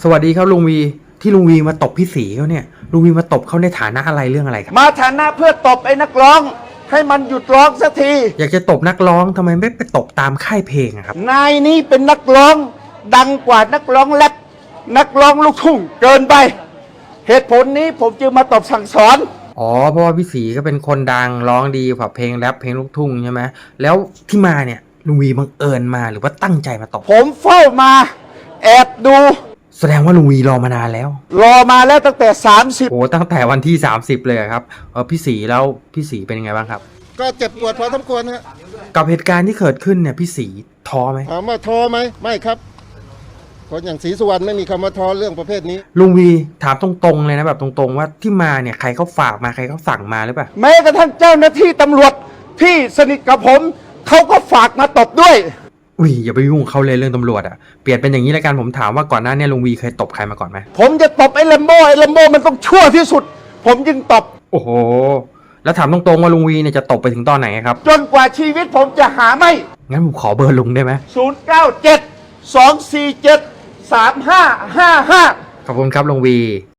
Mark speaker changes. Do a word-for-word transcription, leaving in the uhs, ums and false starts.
Speaker 1: สวัสดีครับลุงวีที่ลุงวีมาตบพี่ศรีเขาเนี่ยลุงวีมาตบเขาในฐานะอะไรเรื่องอะไรครับ
Speaker 2: มาฐานะเพื่อตบไอ้นักร้องให้มันหยุดร้องสักที
Speaker 1: อยากจะตบนักร้องทำไมไม่ไปตบตามค่ายเพลงอะครับ
Speaker 2: นายนี้เป็นนักร้องดังกว่านักร้องแรปนักร้องลูกทุ่งเกินไปเหตุผลนี้ผมจึงมาตบสั่งสอน
Speaker 1: อ๋อเพราะว่าพี่ศรีก็เป็นคนดังร้องดีแบบเพลงแรปเพลงลูกทุ่งใช่ไหมแล้วที่มาเนี่ยลุงวีบังเอิญมาหรือว่าตั้งใจมาตบ
Speaker 2: ผมเฝ้ามาแอบดู
Speaker 1: แสดงว่าลุงวีรอมานานแล้ว
Speaker 2: รอมาแล้วตั้งแต่สามสิบ
Speaker 1: โอ้ตั้งแต่วันที่สามสิบเลยครับเออพี่ศรีแล้วพี่ศรีเป็นยังไงบ้างครับ
Speaker 3: ก็เจ็บปวดพอสมควรฮะ
Speaker 1: กับเหตุการณ์ที่เกิดขึ้นเนี่ยพี่ศรีท้อไหม
Speaker 3: ถามว่าท้อไหมไม่ครับคนอย่างศรีสุวรรณไม่มีคำว่าท้อเรื่องประเภทนี้
Speaker 1: ลุงวีถามตรงๆเลยนะแบบตรงๆว่าที่มาเนี่ยใครเขาฝากมาใครเขาสั่งมาหรือเปล่า
Speaker 2: แม้กระทั่งเจ้าหน้าที่ตำรวจที่สนิทกับผมเขาก็ฝากมาตบด้วย
Speaker 1: อุ้ยอย่าไปยุ่งเขาเลยเรื่องตำรวจอ่ะเปลี่ยนเป็นอย่างนี้แล้วกันผมถามว่าก่อนหน้านี้ลุงวีเคยตบใครมาก่อนไหม
Speaker 2: ผมจะตบไอ้แลมโบ้ไอ้แลมโบ้มันต้องชั่วที่สุดผมจึงตบ
Speaker 1: โอ้โหแล้วถามตรงๆว่าลุงวีเนี่ยจะตบไปถึงตอนไหนครับ
Speaker 2: จนกว่าชีวิตผมจะหาไม่
Speaker 1: งั้นผมขอเบอร์ลุงได้ไหม
Speaker 2: ศูนย์เก้าเจ็ดสองสี่เจ็ดสามห้าห้าห้า
Speaker 1: ขอบคุณครับลุงวี